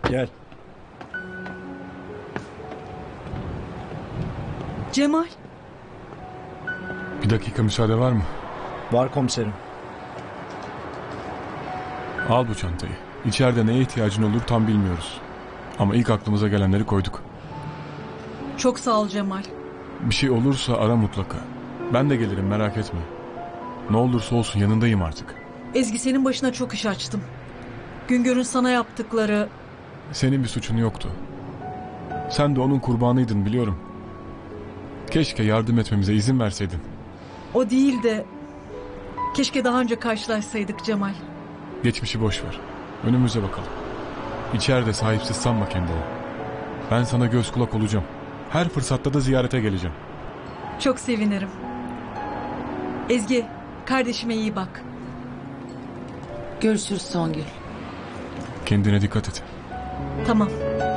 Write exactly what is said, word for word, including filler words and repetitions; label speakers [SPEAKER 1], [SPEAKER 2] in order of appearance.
[SPEAKER 1] Gel.
[SPEAKER 2] Cemal.
[SPEAKER 3] Bir dakika müsaade var mı?
[SPEAKER 1] Var komiserim.
[SPEAKER 3] Al bu çantayı. İçeride neye ihtiyacın olur tam bilmiyoruz. Ama ilk aklımıza gelenleri koyduk.
[SPEAKER 2] Çok sağ ol Cemal.
[SPEAKER 3] Bir şey olursa ara mutlaka. Ben de gelirim, merak etme. Ne olursa olsun yanındayım artık.
[SPEAKER 2] Ezgi, senin başına çok iş açtım. Güngör'ün sana yaptıkları...
[SPEAKER 3] Senin bir suçun yoktu. Sen de onun kurbanıydın, biliyorum. Keşke yardım etmemize izin verseydin.
[SPEAKER 2] O değil de... Keşke daha önce karşılaşsaydık Cemal.
[SPEAKER 3] Geçmişi boş ver. Önümüze bakalım. İçeride sahipsiz sanma kendini. Ben sana göz kulak olacağım. Her fırsatta da ziyarete geleceğim.
[SPEAKER 2] Çok sevinirim. Ezgi, kardeşime iyi bak.
[SPEAKER 4] Görüşürüz Songül.
[SPEAKER 3] Kendine dikkat et.
[SPEAKER 2] Tamam.